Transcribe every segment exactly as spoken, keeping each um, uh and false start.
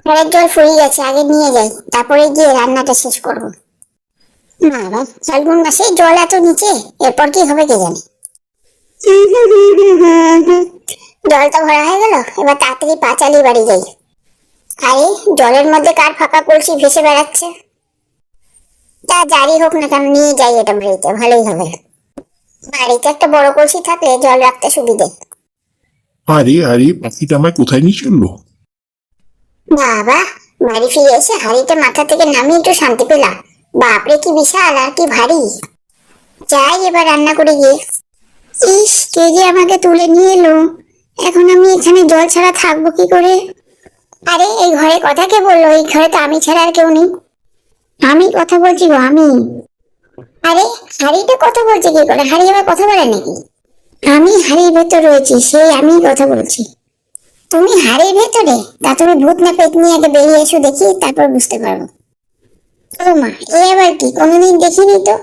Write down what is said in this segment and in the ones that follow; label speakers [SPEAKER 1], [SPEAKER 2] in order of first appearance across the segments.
[SPEAKER 1] ঘরের জল ফুরিয়ে গেছে, আগে নিয়ে যাই, তারপরে গিয়ে রান্নাটা শেষ করবো। না বাবা, ফাল্গুন মাসে জল এত নিচে, এরপর কি হবে কে জানে। জলটা ভরা হয়ে গেল, এবার তাড়াতাড়ি পা চালিয়ে বাড়ি যাই। আরে, জলের মধ্যে কার ফাঁকা কলসি ভেসে বেড়াচ্ছে? তা যারই হোক না কেন, নিয়ে যাই এটা বাড়িতে, ভালোই হবে। বাড়িতে একটা বড় কলসি থাকলে জল রাখতে সুবিধে।
[SPEAKER 2] আরে আরে, পাখিটা আমায় কোথায় নিয়ে চললো?
[SPEAKER 1] বাবা, বাড়ি ফিরে এসে হাড়িটা মাথা থেকে নামিয়ে একটু শান্তি পেলাম। বাপরে কি বিশাল আর কি ভারী। যাই এবার রান্না করে গিয়ে। ইস, কে যে আমাকে তুলে নিয়ে এলো। এখন আমি এখানে জল ছাড়া থাকবো কি করে? আরে, এই ঘরে কথা কে বললো? এই ঘরে তো আমি ছাড়া আর কেউ নেই। আমি কথা বলছি গো, আমি। আরে, হাড়িটা কথা বলছে কি করে? হাড়ি আবার কথা বলে নাকি? আমি হাড়ির ভেতর রয়েছি, সেই আমি কথা বলছি। তুমি হাড়ির ভেতরে? তা তুমি ভূত না পেতনি, আগে বেরিয়ে এসো দেখি, তারপর বুঝতে পারবো। ও মা, এ আবার কি? কোনোদিন দেখিনি তো।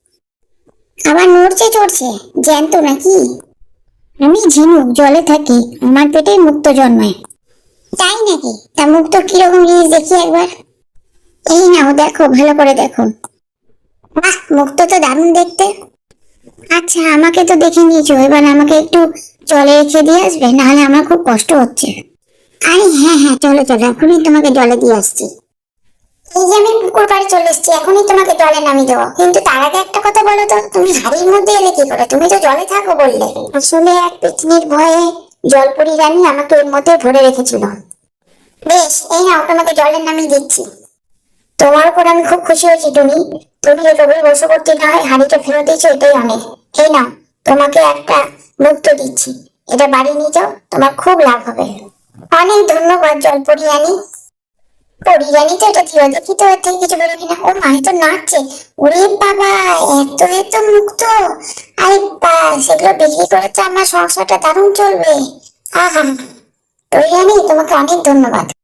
[SPEAKER 1] আবার নড়ছে চড়ছে, জ্যান্ত নাকি? আমি ঝিনুক, জলে থাকি, আমার পেটে মুক্তো জন্মায়। তাই নাকি? তা মুক্তো কিরকম জিনিস দেখি একবার। এই নাও, দেখো, ভালো করে দেখো। বাহ, মুক্তো তো দারুণ দেখতে। আচ্ছা, আমাকে তো দেখে নিয়েছো, এবার আমাকে একটু জলে রেখে দিয়ে আসবে, নাহলে আমার খুব কষ্ট হচ্ছে। আরে হ্যাঁ হ্যাঁ, চলো চলো, এখনই তোমাকে জলে দিয়ে আসছি। এই যে আমি পুকুর পাড়ে চলে এসেছি, এখনই তোমাকে জলে নামিয়ে দেবো, কিন্তু তার আগে একটা কথা বলো তো, তুমি হাড়ির মধ্যে এলে কি করে? তুমি তো জলে থাকো বললে। আসলে এক পেতনির ভয়ে জলপরি রানী আমাকে এর মধ্যে ভরে রেখেছিল। বেশ, এই নাও, তোমাকে জলে নামিয়ে দিচ্ছি। তোমার উপর আমি খুব খুশি হয়েছি টুনি। তুমি রবির বশবর্তী না হয় হাড়িটা ফেরত দিয়েছো, এটাই অনেক। এই নাও, তোমাকে একটা মুক্তো দিচ্ছি, এটা বাড়ি নিয়ে যাও, তোমার খুব লাভ হবে। অনেক ধন্যবাদ জলপরি রানী। পরি রানী তো এটা ছিল, দেখি তো এর থেকে কিছু বেরো কিনা। ও মা, তো নাচছে। ওরে বাবা, এত এত মুক্তো! আরে বা, সেগুলো বিক্রি করে তো আমার সংসারটা দারুণ চলবে। আহা, পরি রানী, তোমাকে অনেক ধন্যবাদ।